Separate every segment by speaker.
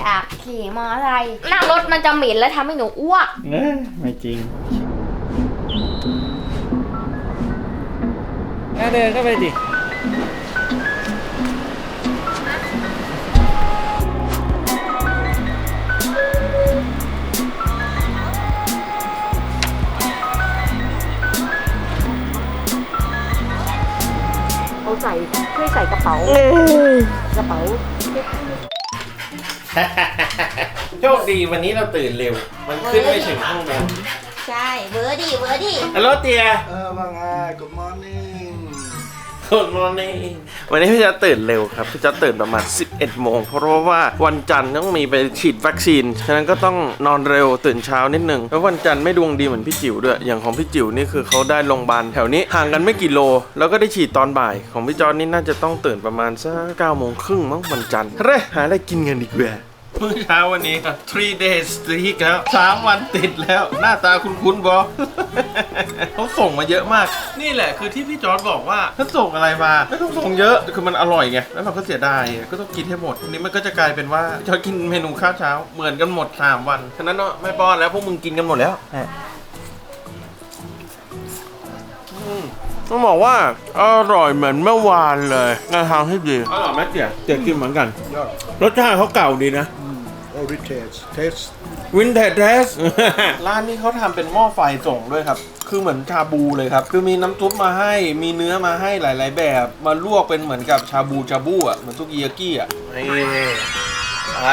Speaker 1: อยากขี่มอเตอร์ไซค์นั่งรถมันจะเหม็นและทำให้หนูอ้วก
Speaker 2: ไม่จริงเดินเข้าไปดิ
Speaker 3: เอาใส่ช่วยใส่กระเป๋า
Speaker 2: โชคดีวันนี้เราตื่นเร็วมันขึ้นไม่ถึงห้องนอน
Speaker 1: ใช่เวอร์ดี้
Speaker 2: ฮัลโหลเตีย
Speaker 4: ว่าไง Good morning
Speaker 2: Good morning วันนี้พี่จะตื่นเร็วครับพี่จะตื่นประมาณ 11 โมงเพราะว่าวันจันทร์ต้องมีไปฉีดวัคซีนฉะนั้นก็ต้องนอนเร็วตื่นเช้านิดนึงแล้ววันจันทร์ไม่ดวงดีเหมือนพี่จิ๋วด้วยอย่างของพี่จิ๋วนี่คือเขาได้โรงพยาบาลแถวนี้ห่างกันไม่กี่โลแล้วก็ได้ฉีดตอนบ่ายของพี่จอร์จนี่น่าจะต้องตื่นประมาณสัก9 โมงครึ่งมั้งวันจันทร์เร่หาอะไรกินกันดีกว่าเมื่อเช้าวันนี้ครับ3 days streak แล้ว3 วันติดแล้วหน้าตาคุ้นๆบอ เขาส่งมาเยอะมากนี่แหละคือที่พี่จอร์จบอกว่าถ้าส่งอะไรมาไม่ต้องส่งเยอะคือมันอร่อยไงแล้วเราก็เสียดายก็ต้องกินให้หมดทีนี้มันก็จะกลายเป็นว่าพี่จอร์จกินเมนูข้าวเช้าเหมือนกันหมด3 วันฉะนั้นเนาะไม่ป้อนแล้วพวกมึงกินกันหมดแล้วต้องบอกว่าอร่อยเหมือนเมื่อวานเลยในทางที่ดีอร่อยไหมเตี๋ยกินเหมือนกันรสชาติเขาเก่าดีนะ
Speaker 4: Heritage
Speaker 2: วินเทจเทส ร้านนี้เขาทำเป็นหม้อไฟส่งด้วยครับคือเหมือนชาบูเลยครับคือมีน้ำซุปมาให้มีเนื้อมาให้หลายๆแบบมาลวกเป็นเหมือนกับชาบูอ่ะเหมือนซุกิยากิอ่ะนี่ไป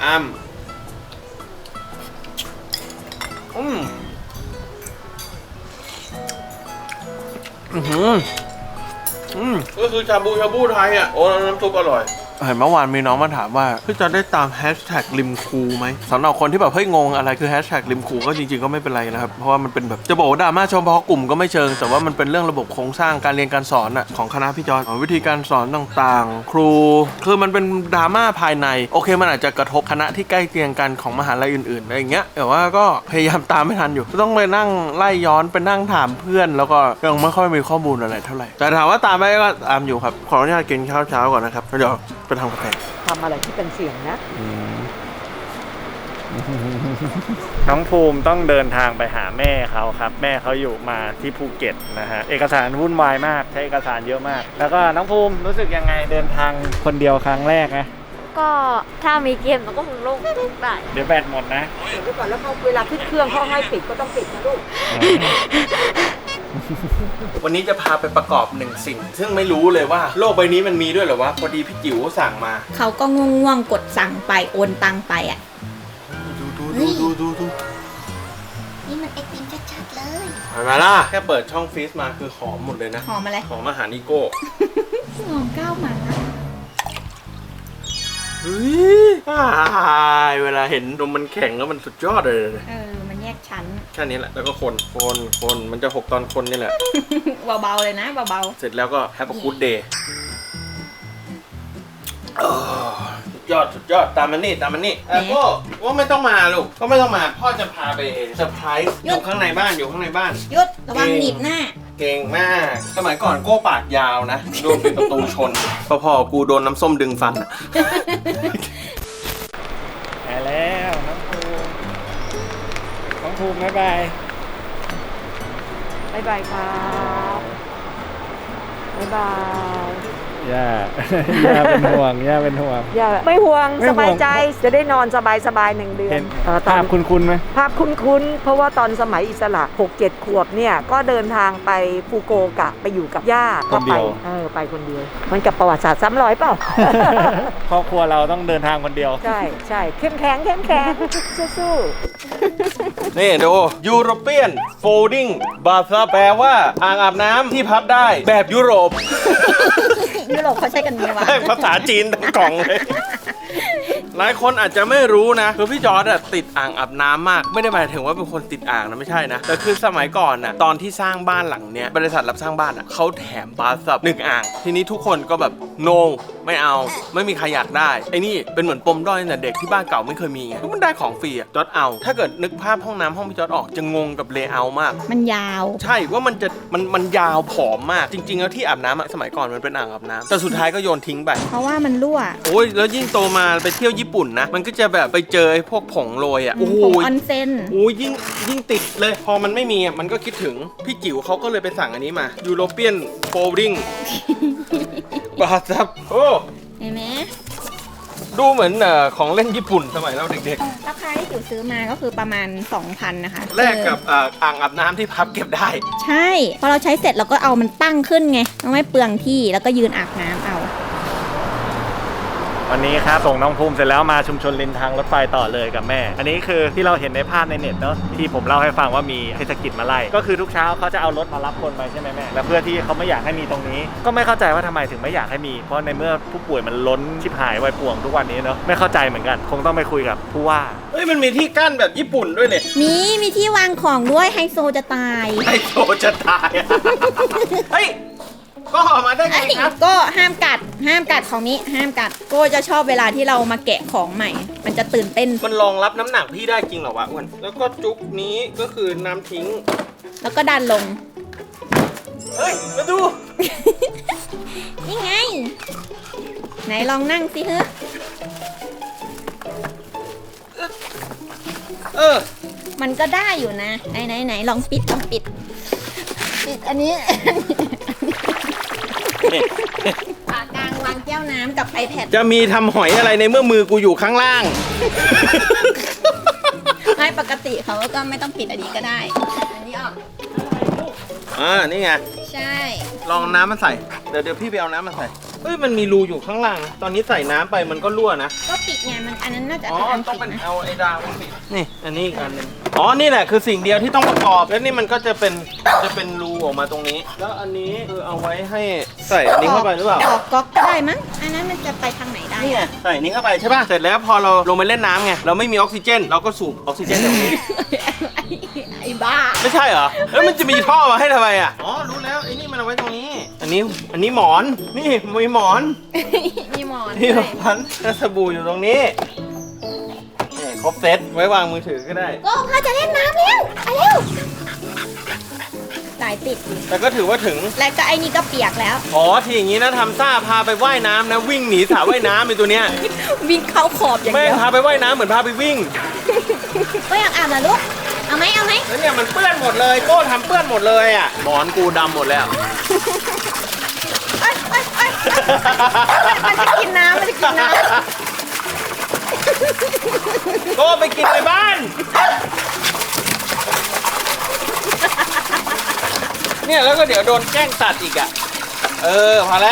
Speaker 2: ก็คือชาบูไทยอ่ะโอ้น้ำซุปอร่อยเห็นเมื่อวานมีน้องมาถามว่าพี่จะได้ตามแฮชแท็กริมคูไหมสำหรับคนที่แบบเฮ้ยงงอะไรคือแฮชแท็กริมคูก็จริงๆก็ไม่เป็นไรนะครับเพราะว่ามันเป็นแบบจะบอกว่าดราม่าเฉพาะกลุ่มก็ไม่เชิงแต่ว่ามันเป็นเรื่องระบบโครงสร้างการเรียนการสอนอ่ะของคณะพี่จอนวิธีการสอนต่างๆครูคือมันเป็นดราม่าภายในโอเคมันอาจจะกระทบคณะที่ใกล้เคียงกันของมหาลัยอื่นๆอะไรอย่างเงี้ยแต่ว่าก็พยายามตามไม่ทันอยู่ต้องไปนั่งไล่ย้อนไปนั่งถามเพื่อนแล้วก็ยังไม่ค่อยมีข้อมูลอะไรเท่าไหร่แต่ถามว่าตามไปก็ตามอยู่ครับขออนุญาตกินข้าวเช้าก่อนนะครับเดี๋ยวไปทำกาแฟ
Speaker 3: ทำอะไรที่เป็นเสียงนะ
Speaker 2: น้องภูมิต้องเดินทางไปหาแม่เขาครับแม่เขาอยู่มาที่ภูเก็ตนะฮะเอกสารวุ่นวายมากใช้เอกสารเยอะมากแล้วก็น้องภูมิรู้สึกยังไงเดินทางคนเดียวครั้งแรกนะ
Speaker 1: ก็ถ้ามีเกมเราก็คงโล่งได้
Speaker 2: เดี๋ยวแบตหมดนะ
Speaker 3: เดี๋ยวก่อนแล้วเขาเวลาขึ้นเครื่องเขาให้ปิดก็ต้องปิดนะลูก
Speaker 2: วันนี้จะพาไปประกอบ1 สิ่งซึ่งไม่รู้เลยว่าโลกใบนี้มันมีด้วยเหรอวะพอดีพี่จิ๋วสั่งมา
Speaker 1: เขาก็ง่วงๆกดสั่งไปโอนตังไปอ่ะ
Speaker 2: ดู
Speaker 1: นี่มันไอติมชัดๆเลย
Speaker 2: เห็นไหมล่ะแค่เปิดช่องฟรีซมาคือหอมหมดเลยนะ
Speaker 1: หอมอะไร
Speaker 2: หอมอาหารอีโก้
Speaker 1: หอมก้าวหมา
Speaker 2: เวลาเห็นนมมันแข็งแล้วมันสุดยอดเลย
Speaker 1: มันแยกชั้น
Speaker 2: แค่นี้แหละแล้วก็คนมันจะหกตอนคนนี่แหละ
Speaker 1: เบาๆเลยนะเบา
Speaker 2: ๆเสร็จแล้วก็แฮปปี้กู๊ดเดย์สุดยอดตามมันนี่ก็ว่าไม่ต้องมาลูกก็ไม่ต้องมาพ่อจะพาไปเซอร์ไพรส์อยู่ข้างในบ้าน
Speaker 1: หยุดระวังหนีบหน้า
Speaker 2: เก่งมากสมัยก่อนโก้ปากยาวนะโดนปิดประตูชนพอกูโดนน้ำส้มดึงฟันไปแล้วน้องภูมิบ๊ายบาย
Speaker 3: ครับบ๊ายบาย
Speaker 2: ย่าเป็นห่วงย่า
Speaker 3: ไม่ห่วงสบายใจจะได้นอนสบาย1 เดือน
Speaker 2: ภาพคุ้นไหม
Speaker 3: ภาพคุ้นเพราะว่าตอนสมัยอิสระ 6-7 ขวบเนี่ยก็เดินทางไปฟูโกกะไปอยู่กับย่า
Speaker 2: คนเดียว
Speaker 3: ไปคนเดียวมันกับประวัติศาสตร์ซ้ำรอยเปล่า
Speaker 2: ครอบครัวเราต้องเดินทางคนเดียว
Speaker 3: ใช่เข้มแข็งสู้
Speaker 2: นี่ดู European Folding Bath แปลว่าอ่างอาบน้ำที่พับได้แบบยุโรป
Speaker 1: เขาใช้กันไงวะ
Speaker 2: ภาษาจีนทั้งกล่องเลย หลายคนอาจจะไม่รู้นะคือพี่จอร์จติดอ่างอาบน้ำมากไม่ได้หมายถึงว่าเป็นคนติดอ่างนะไม่ใช่นะแต่คือสมัยก่อนน่ะตอนที่สร้างบ้านหลังเนี้ยบริษัทรับสร้างบ้านอ่ะเขาแถมบาร์ซับ1 อ่างทีนี้ทุกคนก็แบบโนไม่เอาไม่มีใครอยากได้ไอ้นี่เป็นเหมือนปมด้อยแต่เด็กที่บ้านเก่าไม่เคยมีไงมันได้ของฟรีจอร์จเอาถ้าเกิดนึกภาพห้องน้ำห้องพี่จอร์จออกจะงงกับเลเยอร์มาก
Speaker 1: มันยาว
Speaker 2: ใช่ว่ามันยาวผอมมากจริงๆแล้วที่อาบน้ำสมัยก่อนมันเป็นอ่างอาบน้ำแต่สุดท้ายก็โยนทิ้งไป
Speaker 1: เพราะว่ามันรั่ว
Speaker 2: โอ้ยแล้วยิ่งโตมาไปเที่ยวญี่ญี่ปุ่นนะมันก็จะแบบไปเจอไอ้พวกผงโรยอ่ะโอ้โห
Speaker 5: ผงออนเซ็น
Speaker 2: โอ้ยยิ่งติดเลยพอมันไม่มีอ่ะมันก็คิดถึงพี่จิ๋วเขาก็เลยไปสั่งอันนี้มา European Folding บาซับโอ้
Speaker 5: เห็นไหม
Speaker 2: ดูเหมือนของเล่นญี่ปุ่นสมัยเราเด็ก
Speaker 5: ราคาที่จิ๋วซื้อมาก็คือประมาณ 2,000 นะคะ
Speaker 2: ๆแลกกับอ่างอาบน้ำที่พับเก็บได้
Speaker 5: ใช่ พอเราใช้เสร็จเราก็เอามันตั้งขึ้นไงต้องไม่เปลืองที่แล้วก็ยืนอาบน้ำเอา
Speaker 6: วันนี้ครับส่งน้องภูมิเสร็จแล้วมาชุมชนริมทางรถไฟต่อเลยกับแม่ อันนี้คือที่เราเห็นในภาพในเน็ตเนาะที่ผมเล่าให้ฟังว่ามีเทศกิจมาไล่ก็คือทุกเช้าเขาจะเอารถมารับคนไปใช่ไหมแม่และเพื่อที่เขาไม่อยากให้มีตรงนี้ก็ไม่เข้าใจว่าทำไมถึงไม่อยากให้มีเพราะในเมื่อผู้ป่วยมันล้นชิบหายไวป่วงทุกวันนี้เนาะไม่เข้าใจเหมือนกันคงต้องไปคุยกับผู้ว่า
Speaker 2: เฮ้ยมันมีที่กั้นแบบญี่ปุ่นด้วยเนี่ย
Speaker 5: มีที่วางของด้วยไฮโซจะตาย
Speaker 2: ไอโซจะตายอะ เฮ้ยก็ออกมาได้ไงครับ
Speaker 5: ก็ห้ามกัดของนี้ห้ามกัดโก็จะชอบเวลาที่เรามาแกะของใหม่ มันจะตื่นเต้น
Speaker 2: มันรองรับน้ำหนักพี่ได้จริงเหรอวะอ้วนแล้วก็จุกนี้ก็คือน้ำทิ้ง
Speaker 5: แล้วก็ดันลง
Speaker 2: เฮ้ยมาดู
Speaker 5: นี่ไง ไหนลองนั่งสิเฮ้ย
Speaker 2: เออ
Speaker 5: มันก็ได้อยู่นะไหนลองปิดปิดอันนี้ปากกลางวางแก้วน้ำกับ iPad
Speaker 2: จะมีทำหอยอะไรในเมื่อมือกูอยู่ข้างล่าง
Speaker 5: ไม่ปกติเขาก็ไม่ต้องปิดอันนี้ก็ได้ อันนี้ออก
Speaker 2: นี่ไง
Speaker 5: ใช่
Speaker 2: ลองน้ำมาใส่ เดี๋ยวพี่ไปเอาน้ำมาใส่ เฮ้ยมันมีรูอยู่ข้างล่างนะตอนนี้ใส่น้ำไปมันก็รั่วนะ
Speaker 5: ก็ปิดไงมันอันนั้นน่าจะ
Speaker 2: อ๋อ
Speaker 5: เป็นอัน
Speaker 2: ต้อง
Speaker 5: ปิ
Speaker 2: เป็น
Speaker 5: ดนะ
Speaker 2: เอาไอ้ดาวมาปิดนี่อันนี้อีกอันหนึงอ๋อนี่แหละคือสิ่งเดียวที่ต้องประกอบแล้วนี่มันก็จะเป็นรูออกมาตรงนี้ แล้วอันนี้คือเอาไว้ให้ใส่อันนี้เข้าไปหรือเปล่า
Speaker 5: ออกก๊อกก็ได้มั้งอันนั้นมันจะไปทางไหนได้
Speaker 2: นี่ไงใส่นี้เข้าไปใช่ป่ะเสร็จแล้วพอเราลงไปเล่นน้ำไงเราไม่มีออกซิเจน เราก็สูบออกซิเจนจากนี้
Speaker 5: ไอ้บ้า
Speaker 2: ไม่ใช่เหรอแล้วมันจะมีท่อมาให้ทำไมอ่ะอ๋อรู้แล้วไอ้นี่มันเอาไว้ตรงนี้ อันนี้หมอนนี่มีหมอน
Speaker 5: มีหมอน
Speaker 2: นี่
Speaker 5: ด้วย
Speaker 2: พันสบู่อยู่ตรงนี้นี่ครบเซ็ตไว้วางมือถือก็ได้
Speaker 5: ก็พาจะเล่นน้ำแล้วไปเร็วสายติด
Speaker 2: แต่ก็ถือว่าถึง
Speaker 5: แล้วก็ไอ้นี่ก็เปียกแล้ว
Speaker 2: อ๋อที่อย่างนี้นะทำซ่าพาไปว่ายน้ำนะวิ่งหนีสระว่ายน้ำไอ้ตัวเนี้ย
Speaker 5: วิ่งเข้าขอบอย่าง
Speaker 2: แม่
Speaker 5: เดี
Speaker 2: ง
Speaker 5: ยว
Speaker 2: พาไปว่ายน้ำเหมือนพาไปวิ่ง
Speaker 5: ก็อยากอาบนะลูกเอาไหม
Speaker 2: แล้วเนี่ยมันเปื้อนหมดเลยโก้ทำเปื้อนหมดเลยอ่ะหมอนกูดำหมดแล้ว
Speaker 5: เอ้ยมันจะกินน้ำ
Speaker 2: โก้ไปกินในบ้าน เนี่ยแล้วก็เดี๋ยวโดนแกล้งตัดอีกอ่ะพอแล้ว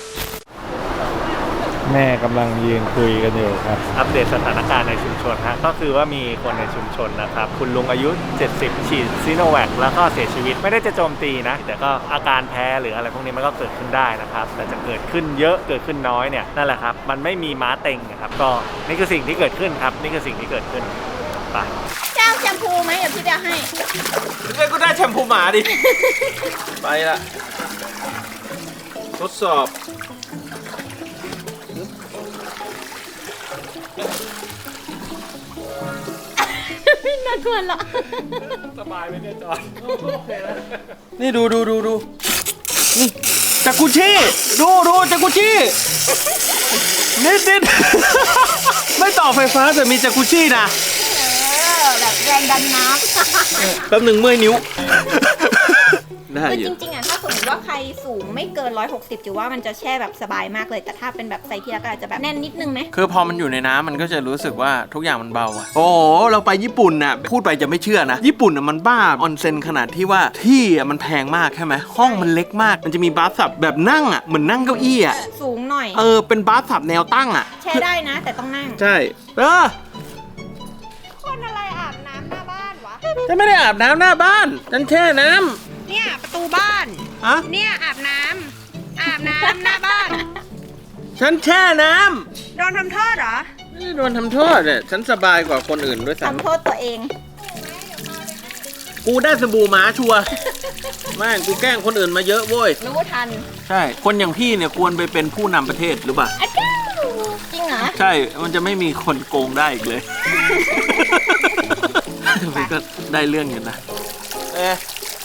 Speaker 6: แม่กำลังยืนคุยกันอยู่ครับอัปเดตสถานการณ์ในชุมชนฮะก็คือว่ามีคนในชุมชนนะครับคุณลุงอายุ70ฉีดซีโนแวคแล้วก็เสียชีวิตไม่ได้จะโจมตีนะแต่ก็อาการแพ้หรืออะไรพวกนี้มันก็เกิดขึ้นได้นะครับแต่จะเกิดขึ้นเยอะเกิดขึ้นน้อยเนี่ยนั่นแหละครับมันไม่มีม้าเต็งนะครับก็นี่คือสิ่งที่เกิดขึ้นครับนี่คือสิ่งที่เกิดขึ้นไป
Speaker 5: เจ้าแชมพูไหมเดี๋ยวพี่จะให้
Speaker 2: เรียกก็ได้แชมพูหมาดิ ไปละทดสอบ
Speaker 5: ไม่น่าทวนหรอ
Speaker 6: สบายไหมเนี่ยจอน
Speaker 2: นี่ดูนี่จากกุชี่ดูจากกุชี่นิด ไม่ต่อไฟฟ้าแต่มีจากกุชี่นะ
Speaker 5: แบบแรงดันน้
Speaker 2: แป๊บหนึ่งเมื่อยนิ้ว
Speaker 5: ำ
Speaker 2: ได้
Speaker 5: คือ
Speaker 2: อ
Speaker 5: จ
Speaker 2: ยู่
Speaker 5: ริงๆอ่ะถ้าสมมติว่าใครสูงไม่เกิน160จิ๋วว่ามันจะแช่แบบสบายมากเลย แต่ถ้าเป็นแบบไซส์ที่แล้วก็อาจจะแบบแน่นนิดนึงไหม
Speaker 2: คือพอมันอยู่ในน้ำมันก็จะรู้สึกว่าทุกอย่างมันเบาอะโอ้โหเราไปญี่ปุ่นน่ะพูดไปจะไม่เชื่อนะญี่ปุ่นน่ะมันบ้าออนเซ็นขนาดที่ว่าที่อะมันแพงมากใช่ไหมห้องมันเล็กมากมันจะมีบาร์สับแบบนั่งอะเหมือนนั่งเก้าอี้อะ
Speaker 5: สูงหน่อย
Speaker 2: เป็นบาร์สับแนวตั้งอะ
Speaker 5: แช่ได้นะ แต่ต้องนั่ง
Speaker 2: ใช่
Speaker 5: คนอะไรอาบน้ำหน้าบ้านวะ
Speaker 2: ฉันไม่ได้อาบน้ำหน้าบ้านฉันแช่น้
Speaker 5: เนี่ยประตูบ้าน
Speaker 2: ำฮะ
Speaker 5: เนี่ยอาบน้ำหน้าบ้าน
Speaker 2: ฉันแช่น้
Speaker 5: โดนทำโทษเหรอ
Speaker 2: ำไม่ได้โดนทำโทษเนี่ยฉันสบายกว่าคนอื่นด้วยซ้
Speaker 5: ทำโทษตัวเอง
Speaker 2: ำกูได้สบู่หมาชัวร์แม่งกูแกล้งคนอื่นมาเยอะเว้ย
Speaker 5: รู้ทัน
Speaker 2: ใช่คนอย่างพี่เนี่ยควรไปเป็นผู้นำประเทศหรือเปล่า
Speaker 5: อ้าวจริงเหรอ
Speaker 2: ใช่ มันจะไม่มีคนโกงได้อีกเลย มันก็ได้เรื่องอยู่นะ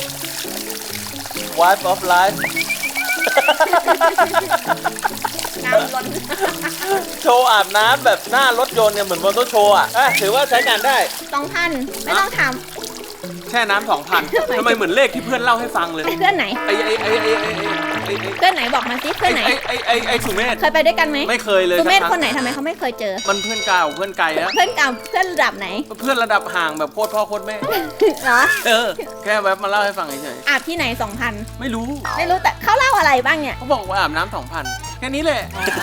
Speaker 2: Wife of life
Speaker 5: น้ำล้น
Speaker 2: โชว์อาบน้ำแบบหน้ารถยนต์เนี่ยเหมือนมอเตอร์โชว์อ่ะถือว่าใช้งานได้
Speaker 5: 2,000 ไม่ต้องถาม
Speaker 2: แช่น้ำ2,000ทำไมเหมือนเลขที่เพื่อนเล่าให้ฟังเลย
Speaker 5: เพื่อนไหน
Speaker 2: ไอ้
Speaker 5: เพื่อนไหนบอกมาสิเพื่อนไหน
Speaker 2: ไอ้สุเมธ
Speaker 5: เคยไปด้วยกันไหม
Speaker 2: ไม่เคยเลย
Speaker 5: สุเมธ
Speaker 2: สัก
Speaker 5: คนไหนทำไมเขาไม่เคยเจอ
Speaker 2: มันเพื่อนเก่าเพื่อนไกลแล้ว
Speaker 5: เพื่อนเก่าเพื่อนระดับไหน
Speaker 2: เพื่อนระดับห่างแบบโคตรพ่อโคตรแม่
Speaker 5: เหรอ
Speaker 2: แค่แบบมาเล่าให้ฟังเฉย
Speaker 5: อาบที่ไหน 2,000
Speaker 2: ๆไม่รู้
Speaker 5: ไม่รู้แต่เขาเล่าอะไรบ้างเนี่ย
Speaker 2: เขาบอกว่าอาบน้ำ2,000แค่นี้แหละ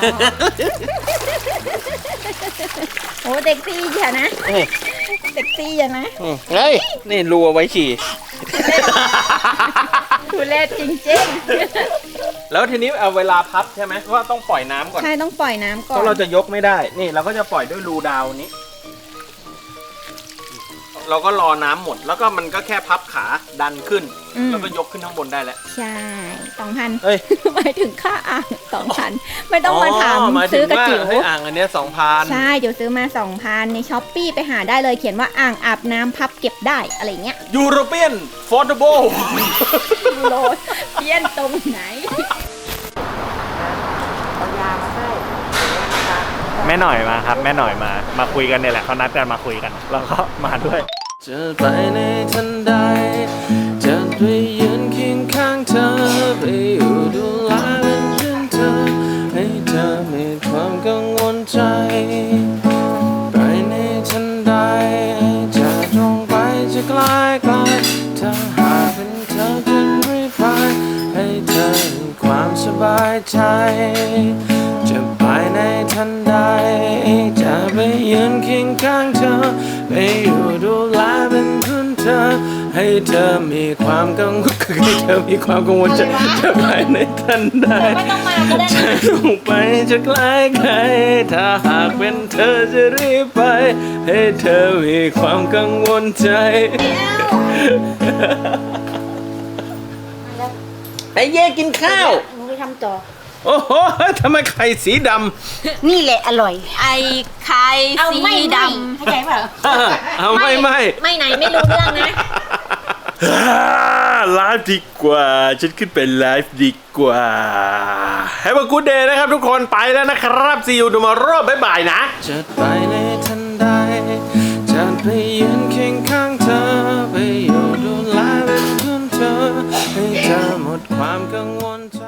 Speaker 5: โอ้เด็กซี่อย่านะ เด็กซี่อย่านะ
Speaker 2: เฮ้ยนี่รูเอาไว้ฉี่
Speaker 5: ทุเรศจริง
Speaker 2: แล้วทีนี้เอาเวลาพับใช่ไหมว่าต้องปล่อยน้ำก่อน
Speaker 5: ๆ ใช่ต้องปล่อยน้ำก่อ
Speaker 2: เพ
Speaker 5: น
Speaker 2: ราะเราจะยกไม่ได้ นี่เราก็จะปล่อยด้วยรูดาวนี้ เราก็รอน้ำหมด แล้วก็มันก็แค่พับขาดันขึ้น แล้วก็ยกขึ้นข้างบนได้แล้ว
Speaker 5: ใช่ 2,000
Speaker 2: เฮ้ย
Speaker 5: หมายถึงค่าอ่าง 2,000 ไม่ต้องมาถาม
Speaker 2: หยถึ
Speaker 5: ซื้
Speaker 2: ง
Speaker 5: อกระ
Speaker 2: ว่า
Speaker 5: จิ๋ว
Speaker 2: ให้อ่างอันเนี้ย2,000
Speaker 5: ใช่เดี๋ยวซื้อมา 2,000 ในช้อปปี้ไปหาได้เลยเขียนว่าอ่างอาบน้ำพับเก็บได้อะไรเงี้ย
Speaker 2: ยูโรเปียนฟอร์ดโบ
Speaker 5: โลดเพี้ยนตรงไหน
Speaker 3: เอายามาให้นะคะ
Speaker 6: แม่หน่อยมาครับ แม่หน่อยมาคุยกันเนี่ยแหละเขานัดกันมาคุยกัน แล้วก็มาด้วย
Speaker 2: จะไปในทันใดจะไปยืนเคียงข้างเธอไปอยู่ดูแลเป็นเพื่อนเธอให้เธอมีความกังวลใจไปในทันใดจะตรงไปจะไกลไกลถ้าหากเป็นเธอจะรีบไปให้เธอมีความสบายใจจะไปในทันใดจะไปยืนเคียงข้างเธอไปอยู่ดูแลเป็นเพื่อนเธอให้เธอมีความกังวลให้เธอมีความกังวลจะไปในทันใด
Speaker 5: ไม่ต้องมาก็ได้
Speaker 2: จะลงไปจะไกลไกลถ้าหากเป็นเธอจะรีบไป ให้เธอมีความกังวลใจไอ้เย่กินข้าว
Speaker 1: หนูไปทำต่อ
Speaker 2: โอ้โหทำไมไข่สีด
Speaker 1: นี่แหละอร่อย
Speaker 5: ไอ้ไข่
Speaker 1: เอา
Speaker 5: สี
Speaker 1: ไม่
Speaker 5: ด
Speaker 1: เข้าใจเปล่า
Speaker 2: ำเอาไม่
Speaker 5: ำไม่ไหนไม่รู้เรื่องนะ
Speaker 2: ไลฟ์ดีกว่า ฉันขึ้นไปไลฟ์ดีกว่า Have a good day นะครับทุกคนไปแล้วนะครับ See you tomorrow บ๊ายบายนะ จะไปในทันใดจะไปยืนเคียงข้างเธอไปอยู่ดูแลเป็นเพื่อนเธอให้เธอหมดความกังวลใจ